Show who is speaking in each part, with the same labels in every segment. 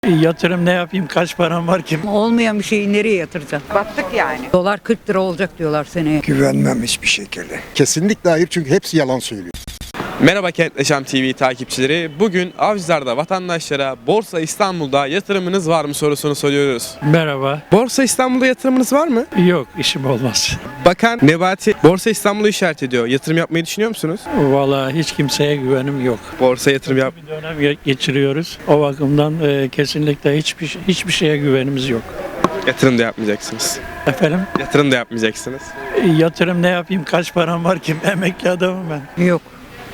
Speaker 1: Yatırım ne yapayım? Kaç param var ki?
Speaker 2: Olmayan bir şeyi nereye yatıracaksın? Battık yani. Dolar 40 lira olacak diyorlar seneye.
Speaker 3: Güvenmem hiçbir şekilde.
Speaker 4: Kesinlikle hayır, çünkü hepsi yalan söylüyor.
Speaker 5: Merhaba Kentleşem TV takipçileri. Bugün Avcılar'da vatandaşlara Borsa İstanbul'da yatırımınız var mı sorusunu soruyoruz.
Speaker 1: Merhaba.
Speaker 5: Borsa İstanbul'da yatırımınız var mı?
Speaker 1: Yok, işim olmaz.
Speaker 5: Bakan Nebati Borsa İstanbul'u işaret ediyor. Yatırım yapmayı düşünüyor musunuz?
Speaker 1: Vallahi hiç kimseye güvenim yok.
Speaker 5: Borsa yatırım yap.
Speaker 1: Bir dönem geçiriyoruz. O bakımdan kesinlikle hiçbir şeye güvenimiz yok.
Speaker 5: Yatırım da yapmayacaksınız.
Speaker 1: Efendim,
Speaker 5: Yatırım da yapmayacaksınız.
Speaker 1: yatırım ne yapayım? Kaç param var ki? Emekli adamım ben.
Speaker 2: Yok.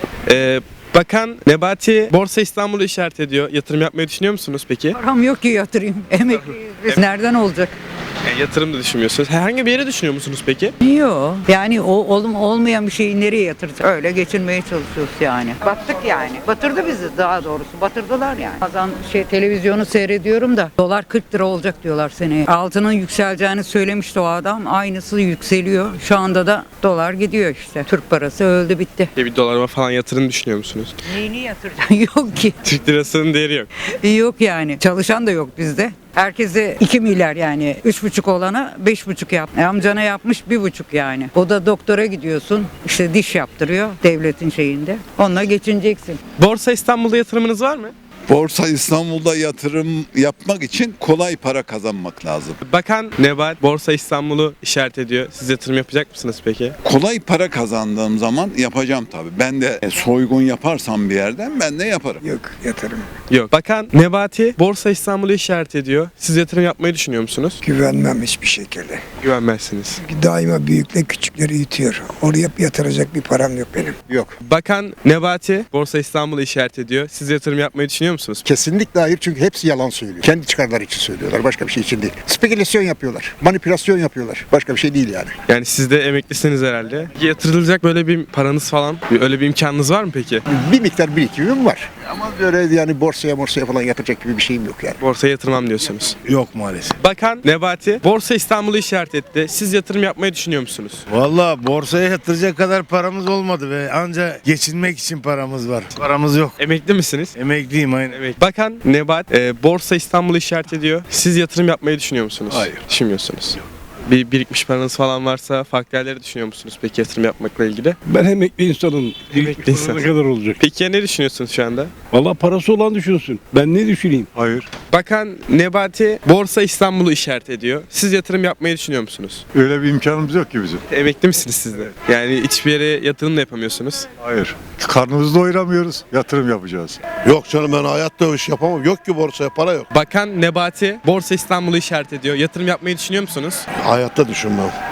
Speaker 5: Bakan Nebati Borsa İstanbul'u işaret ediyor. Yatırım yapmayı düşünüyor musunuz peki?
Speaker 2: Param yok ki yatırayım. Emekliyiz biz. Nereden olacak?
Speaker 5: Yatırım da düşünmüyorsunuz. Herhangi bir yere düşünüyor musunuz peki?
Speaker 2: Yok. Yani olmayan bir şeyi nereye yatıracağız? Öyle geçinmeye çalışıyoruz yani. Battık yani. Batırdı bizi daha doğrusu. Batırdılar yani. Bazen televizyonu seyrediyorum da dolar 40 lira olacak diyorlar seneye. Altının yükseleceğini söylemişti o adam. Aynısı yükseliyor. Şu anda da dolar gidiyor işte. Türk parası öldü bitti.
Speaker 5: Bir dolarıma falan yatırım düşünüyor musunuz?
Speaker 2: Neyini yatıracaksın? Yok ki.
Speaker 5: Türk lirasının değeri yok.
Speaker 2: Yok yani. Çalışan da yok bizde. Herkese 2 milyar yani 3,5 olana 5,5 yap. Amcana yapmış 1,5 yani. O da doktora gidiyorsun işte diş yaptırıyor devletin şeyinde. Onunla geçineceksin.
Speaker 5: Borsa İstanbul'da yatırımınız var mı?
Speaker 3: Borsa İstanbul'da yatırım yapmak için kolay para kazanmak lazım.
Speaker 5: Bakan Nebat Borsa İstanbul'u işaret ediyor. Siz yatırım yapacak mısınız peki?
Speaker 3: Kolay para kazandığım zaman yapacağım tabii. Ben de soygun yaparsam bir yerden ben de yaparım. Yok yatırım.
Speaker 5: Yok. Bakan Nebati Borsa İstanbul'u işaret ediyor. Siz yatırım yapmayı düşünüyor musunuz?
Speaker 3: Güvenmem hiçbir şekilde.
Speaker 5: Güvenmezsiniz.
Speaker 3: Daima büyükle küçükleri yutuyor. Oraya yatıracak bir param yok benim. Yok.
Speaker 5: Bakan Nebati Borsa İstanbul'u işaret ediyor. Siz yatırım yapmayı düşünüyor musunuz?
Speaker 4: Kesinlikle hayır, çünkü hepsi yalan söylüyor. Kendi çıkarları için söylüyorlar, başka bir şey için değil. Spekülasyon yapıyorlar, manipülasyon yapıyorlar. Başka bir şey değil yani.
Speaker 5: Yani siz de emeklisiniz herhalde. Yatırılacak böyle bir paranız falan, öyle bir imkanınız var mı peki?
Speaker 4: Bir miktar birikimim var. Ama böyle yani borsaya falan yatıracak gibi bir şeyim yok yani.
Speaker 5: Borsaya yatırmam diyorsunuz.
Speaker 6: Yok maalesef.
Speaker 5: Bakan Nebati Borsa İstanbul'u işaret etti. Siz yatırım yapmayı düşünüyor musunuz?
Speaker 6: Valla borsaya yatıracak kadar paramız olmadı ve anca geçinmek için paramız var. Paramız yok.
Speaker 5: Emekli misiniz?
Speaker 6: Emekliyim aynen.
Speaker 5: Evet. Bakan Nebat Borsa İstanbul'u işaret ediyor. Siz yatırım yapmayı düşünüyor musunuz?
Speaker 6: Hayır.
Speaker 5: Düşünmüyorsunuz. Bir birikmiş paranız falan varsa farklı yerlere düşünüyor musunuz peki yatırım yapmakla ilgili?
Speaker 7: Ben emekli insanım.
Speaker 5: Emekli insan.
Speaker 7: Ne kadar olacak?
Speaker 5: Peki ya ne düşünüyorsunuz şu anda?
Speaker 7: Valla parası olan düşünsün. Ben ne düşüneyim?
Speaker 4: Hayır.
Speaker 5: Bakan Nebati Borsa İstanbul'u işaret ediyor. Siz yatırım yapmayı düşünüyor musunuz?
Speaker 8: Öyle bir imkanımız yok ki bizim.
Speaker 5: Emekli misiniz siz de? Yani hiçbir yere yatırım da yapamıyorsunuz.
Speaker 8: Hayır. Karnımızı doyuramıyoruz. Yatırım yapacağız.
Speaker 9: Yok canım ben hayatta o iş yapamam. Yok ki borsaya para yok.
Speaker 5: Bakan Nebati Borsa İstanbul'u işaret ediyor. Yatırım yapmayı düşünüyor musunuz?
Speaker 9: Hayatta düşünmem.